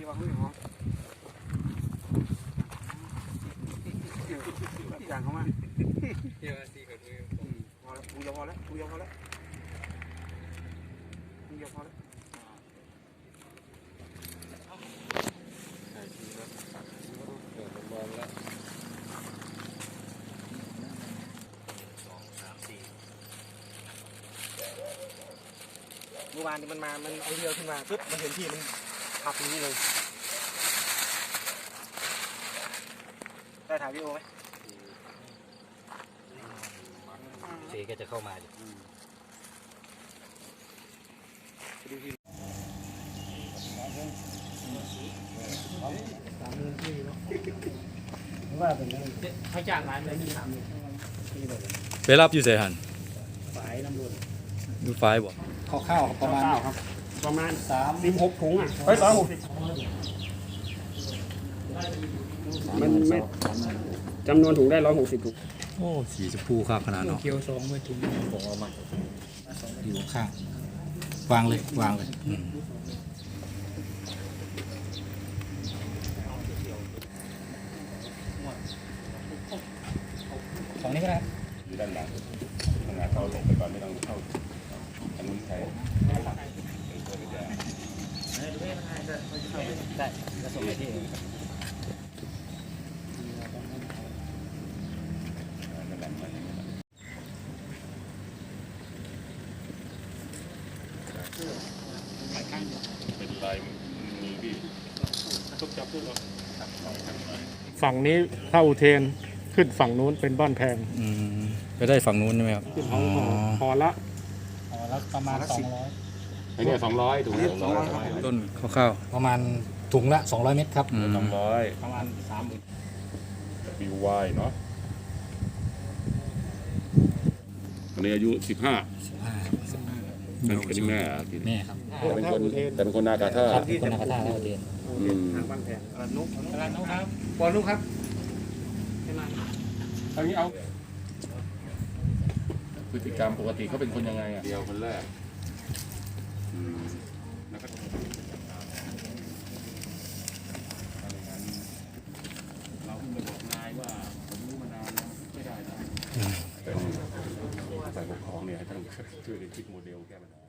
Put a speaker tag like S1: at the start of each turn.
S1: วางไม่หอมอย่างเขามาพอแล้วกูยอมพอแล้วกูยอมพอแล้วกูยอมพอแล้วเมื่อวานมันมามันเอาเรือขึ้นมาปึ๊บมันเห็นที่มันขับอย่างนี้เลยได้ถ่ายวิดีโอไหม
S2: เสก็จะเข้ามาดิ
S3: ว่าเป็นเขาจ้างร้านเลยมี
S4: ไปรับอยู่เสหัน
S3: ฝายน้ำรุน
S4: ดูไฟบ่
S3: ข้าวประมาณครับประมาณ36 ถุงอ่ะเฮ้ย360มันไม่จำนวนถุงได้160 ถุง
S4: โอ้สีชมพูครับขนาดเนาะ
S3: เกียว2มือถุง
S2: ผมเอามาอยู่ข้างวางเลยวางเลย
S3: ของนี้ก็ได้
S5: อยู่ด้านหลังทำงานเข้าลงไปก่อนไม่ต้องเข้าอันนู้นใช้
S2: ได้จะส่งไปที่
S5: เป็นลายมือพี่ทุกจับทุกเรา
S6: ฝั่งนี้เข้าอุเทนขึ้นฝั่งนู้นเป็นบ้านแพง
S4: ไปได้ฝั่งนู้นใช่ไหมครับ
S6: ขึ้นพอละ
S2: แล้วประมาณ200
S5: ไอ้เนี่ย200ถุง200
S4: ต้นข้าว
S2: ประมาณถุงละ200 เม็ดครับ
S5: 200
S2: ประมาณ
S5: บิววายเนาะอันนี้อายุ15เป็นแม่กิน
S2: แม่ครับ
S5: แต่เป็นคนนากาท่า
S2: ครับคนนักท่าเราเรียน
S1: ทางบ้านแพงกระนุก
S2: ตลาดน้องครับ
S1: บอลนุกครับ
S5: อันนี้เอาพฤติกรรมปกติเขาเป็นคนยังไงอ่ะเดียวคนแรกแล้วก็เราเพิ่งไปบอกนายว่าผมรู้มานานแล้วไม่ได้นะเป็นฝ่ายปกครองเนี่ยให้ท่านช่วยกันคิดโมเดลแก้ปัญหา